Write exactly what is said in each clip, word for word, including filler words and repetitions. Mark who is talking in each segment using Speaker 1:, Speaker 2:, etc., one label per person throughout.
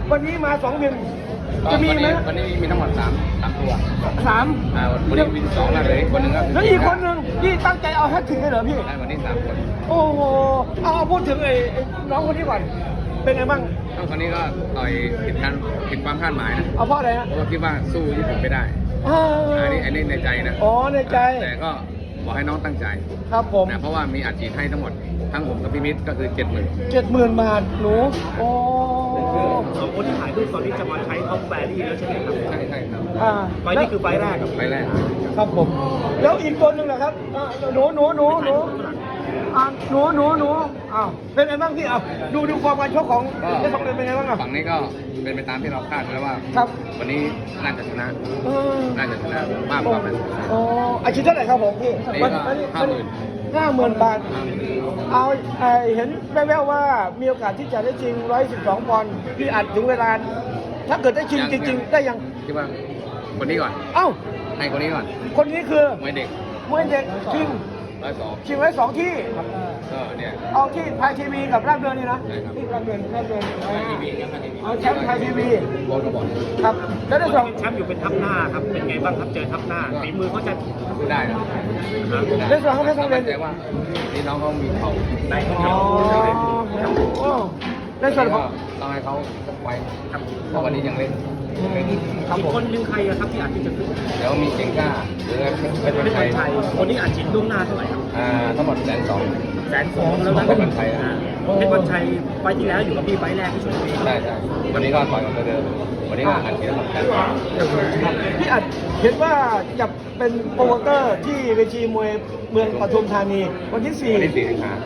Speaker 1: วันนี้มาสองบินจะมีไหม
Speaker 2: วันนี้มีทั้งหมดสามสามตัว
Speaker 1: สาม
Speaker 2: อ่าวันนี้มีสองแล้วเลยคนหนึ่งก็
Speaker 1: แล้วอีกคนหนึ่งที่ตั้งใจเอาแฮตทริกให้เหรอพี่
Speaker 2: ได้วันนี้สามคน
Speaker 1: โอ้โหเอาเอาพูดถึงไอ้ไอ้น้องคนนี้ก่อนเป็นไงบ้าง
Speaker 2: ก็คนนี้ก็ต่อยผิดการผิดความคาดหมายนะ
Speaker 1: เอาเพราะอะไรฮะ
Speaker 2: เพราะว่าคิดว่าสู้ญี่ปุ่นไม่ได้
Speaker 1: อ่า
Speaker 2: อันนี้อันนี้ในใจนะ
Speaker 1: อ๋อในใจ
Speaker 2: แต่ก็บอกให้น้องตั้งใจ
Speaker 1: ครับผม
Speaker 2: นะเพราะว่ามีอัดฉีดให้ทั้งหมดทั้งผมกับพี่มิตรก็คือเจ็ดหมื่น
Speaker 1: เจ็ดหมื่นบาทหนูโอ้
Speaker 3: สองคนที่ถ่ายรูปตอนนี้จะมาใช้ท็อปแฟรี่แล้วใช่ไหมครับ
Speaker 2: ใช่ใช่ครับ
Speaker 1: อ่า
Speaker 3: ไฟล์นี้คือไฟล์แรกครับ
Speaker 2: ไปแรก
Speaker 1: ครับผมแล้วอีกคนหนึ่งนะครับอ่าหนูหนูหนูหนูอ่าหนูหนูหนูอ้าวเป็นไงบ้างพี่อ้าวดูดูความการชกของเจ้าสองเป็นไงบ้างอ่ะ
Speaker 2: ฝั่งนี้ก็เป็นไปตามที่เราคาดไว้ว่า
Speaker 1: ครับ
Speaker 2: วันนี้น่าจะชนะ
Speaker 1: เออ
Speaker 2: น่าจะชนะมากกว่านั้น
Speaker 1: โอ้อาชีพเท่าไหร่ครับผมพี่
Speaker 2: นี่ก็ห้าหมื่น
Speaker 1: ห้าหมื่นบาท
Speaker 2: ห้าหมื่น
Speaker 1: เอาไอ้เห็นแว่วๆว่ามีโอกาสที่จะได้ชิงร้อยสิบสองปอนด์พี่อัดถึงเวลา ถ้าเกิดได้ชิงจริงๆ ได้ยัง
Speaker 2: คิดว่าคนนี้ก่อน
Speaker 1: เอ้า
Speaker 2: ให้คนนี้ก่อน
Speaker 1: คนนี้คือ
Speaker 2: มวยเด็ก
Speaker 1: มวยเด็กชิง
Speaker 2: ร้อยสอง
Speaker 1: ชิงไว้สองที่
Speaker 2: ก็เนี่ย
Speaker 1: เอาที่ไทยทีวีกับราชดำเนินนี่นะ
Speaker 2: ใช่ครับ
Speaker 1: ที่ราชดำเนินราชดำเนิน
Speaker 2: ทีวีครับทีวี
Speaker 1: เอาแชมป์ไทยทีวี
Speaker 2: บอลก็บอล
Speaker 1: ครับ แล้วได้สอง
Speaker 3: แชมป์อยู่เป็นทัพหน้าครับ เป็นไงบ้างครับเจอทัพหน้าฝีมือเขาจะ
Speaker 2: ได้นะ
Speaker 1: ได้สองเขาเพชรทองเรียน
Speaker 2: แต่ว่านี่น้องเขามีเข่า
Speaker 3: ได้ทุกอ
Speaker 1: อ๋
Speaker 3: ย่า
Speaker 1: อง โอ้ได้ส่วนของ
Speaker 2: ต้องให้เขาไว้ครับเพราะวันนี้ยังเล่นยังเล่น
Speaker 1: ครับ
Speaker 3: อี
Speaker 1: ผ
Speaker 3: ก
Speaker 1: ม
Speaker 3: คนหนึงใครอะครับที่อาจจะขึ้น
Speaker 2: เดี๋ยวมีเก่งกล้าหรือเป็น
Speaker 3: เป็น
Speaker 2: คน
Speaker 3: คน
Speaker 2: ไทย
Speaker 3: ไทยคนนี้อาจฉีดล่วงหน้าเท่าไหร่ครับ
Speaker 2: อ่าทั้งหมดแสนสอง
Speaker 3: แสนสองแล้วนะ
Speaker 2: เป็นคนไทยนะ
Speaker 3: เป็นคนไทยไฟล์ที่แล้วอยู่กับพี่ไฟล์แรกที่ชลบุรี
Speaker 2: ใช่ใช่วันนี้ก็ต่อยกับตัวเดิมวันนี้ก็อัดเสียงเหมือนกัน
Speaker 1: พี่อัดเห็นว่าจะเป็นโปรโมเตอร์ที่เวทีมวยเมืองปทุมธานีวันที่สี่
Speaker 2: วันที่สี่สิงหาร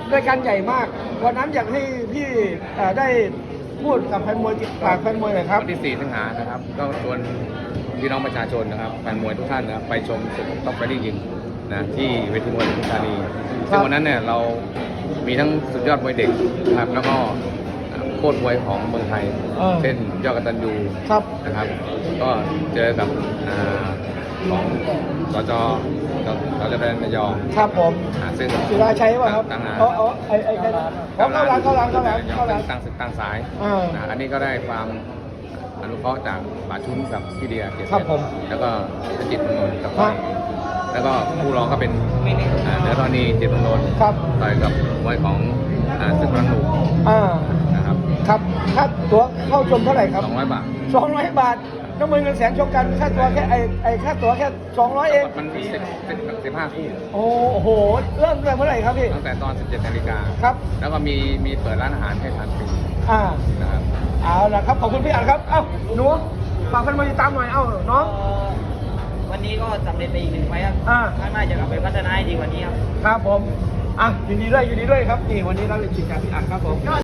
Speaker 1: ายการใหญ่มากวันนั้นอยากให้พี่เอ่อได้พูดกับแฟนมวยฝากแฟนมวยหน่อยครับ
Speaker 2: วันที่สี่สิงหานะครับ ก็ชวนพี่น้องประชาชนนะครับแฟนมวยทุกท่านนะครับไปชมศึกท็อปไฟติ้งยิงนะที่เวทีมวยปทุมธานี
Speaker 1: ครับ
Speaker 2: ซึ่งวันนั้นเนี่ยเรามีทั้งสุดยอดมวยเด็กนะครับแล้วก็โคตรมวยของเมืองไทย
Speaker 1: เออ
Speaker 2: เช่นยอดกตัญญู
Speaker 1: ครับ
Speaker 2: นะครับ ก็เจอกับอ่าของสจสจแดนระยอง
Speaker 1: ครับผม
Speaker 2: อ่าซึ่ง
Speaker 1: ศิลาชัยป่ะครับ
Speaker 2: ต่างหาก
Speaker 1: อ๋ออ๋อไอ้ไอ้ไอ้เขาเข้าร้านเข้าร้านเข้าร้านเข้าร้าน
Speaker 2: ต่างศึกต่างสาย
Speaker 1: อ่า
Speaker 2: นะอันนี้ก็ได้ความอนุเคราะห์จากป่าชุนกับพี่เดียเกียรติ
Speaker 1: ครับผม
Speaker 2: แล้วก็จิตรมนกับ
Speaker 1: ครับ
Speaker 2: แล้วก็ผู้รองก็เป็นอ่าเนื้อทอนีจิตรมน
Speaker 1: ครับ
Speaker 2: ต่อยกับมวยของอ่าศึกรังหนู
Speaker 1: อ่า
Speaker 2: นะครับ
Speaker 1: ครับค่าตั๋วเข้าชมเท่าไหร่ครับ
Speaker 2: สองร้อยบาท
Speaker 1: สองร้อยบาทน้ำมือเงินแสนชกกันค่าตัวแค่ไอ้ไอ้ค่าตั๋วแค่สองร้อยเอง
Speaker 2: มันสิบสิบสิบห้าคู่
Speaker 1: โอ้โหเริ่มตั้งแต่เมื่อไหร่ครับพี่
Speaker 2: ตั้งแต่ตอนสิบเจ็ดนาฬิกา
Speaker 1: ครับ
Speaker 2: แล้วก็มีมีเปิดร้านอาหารให้ทานฟรี
Speaker 1: อ่า
Speaker 2: นะครับ
Speaker 1: เอาละครับขอบคุณพี่อัดครับเอ้าหนูฝากแฟนมวยติดตามหน่อยเอ้าน้อง
Speaker 4: วันนี้ก็สำเร็จไปอีกหนึ่งไฟล์ครับ
Speaker 1: อ่า
Speaker 4: ข้างหน้าจะกลับไปพัฒนาให้ดีกว่านี้ครับ
Speaker 1: ครับผมอ่ะยินดีด้วยยินดีด้วยครับนี่วันนี้เราเลยจิตจากพี่อัดครับผม